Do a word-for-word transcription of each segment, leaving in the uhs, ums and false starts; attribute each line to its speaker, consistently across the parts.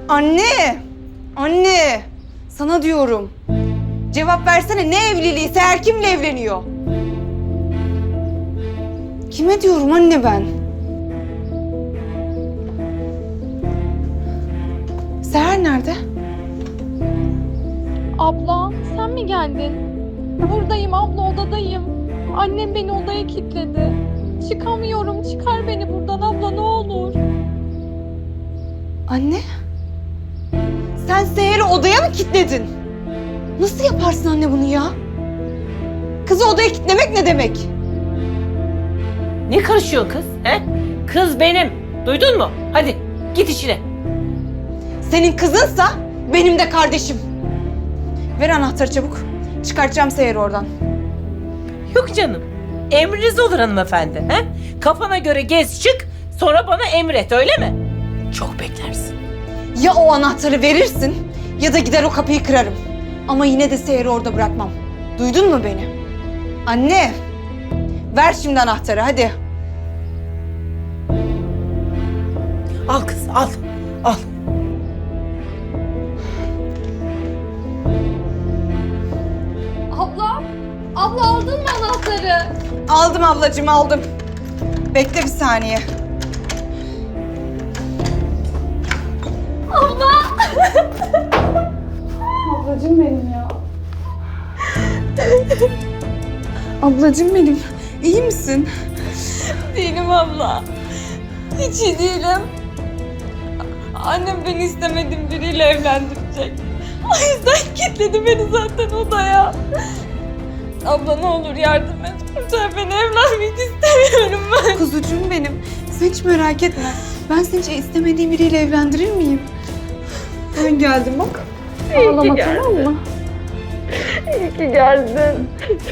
Speaker 1: Anne! Anne! Sana diyorum. Cevap versene, ne evliliği? Seher kimle evleniyor? Kime diyorum anne ben? Seher nerede?
Speaker 2: Abla sen mi geldin? Buradayım abla, odadayım. Annem beni odaya kilitledi. Çıkamıyorum, çıkar beni buradan abla ne olur.
Speaker 1: Anne? Sen Seher'i odaya mı kilitledin? Nasıl yaparsın anne bunu ya? Kızı odaya kilitlemek ne demek?
Speaker 3: Ne karışıyor kız? He? Kız benim. Duydun mu? Hadi git işine.
Speaker 1: Senin kızınsa benim de kardeşim. Ver anahtarı çabuk. Çıkartacağım Seher'i oradan.
Speaker 3: Yok canım. Emriniz olur hanımefendi. He? Kafana göre gez çık, sonra bana emret, öyle mi? Çok beklersin.
Speaker 1: Ya o anahtarı verirsin ya da gider o kapıyı kırarım. Ama yine de Seher'i orada bırakmam. Duydun mu beni? Anne, ver şimdi anahtarı hadi.
Speaker 3: Al kız, al. Al.
Speaker 2: Abla, abla aldın mı anahtarı?
Speaker 1: Aldım ablacığım aldım. Bekle bir saniye.
Speaker 2: Ablacığım benim ya.
Speaker 1: Ablacığım benim, iyi misin?
Speaker 2: Değilim abla. Hiç iyi değilim. Annem beni istemediğim biriyle evlendirecek. O yüzden kilitledi beni zaten odaya. Abla ne olur yardım et. Kurtar beni, evlenmek istemiyorum ben.
Speaker 1: Kuzucuğum benim, sen hiç merak etme. Ben seni hiç istemediğim biriyle evlendirir miyim? Ben geldim bak.
Speaker 2: Ağlama tamam mı? İyi ki geldin.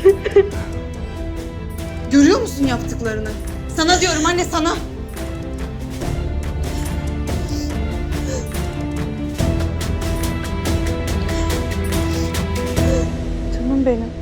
Speaker 1: Görüyor musun yaptıklarını? Sana diyorum anne, sana. Canım benim.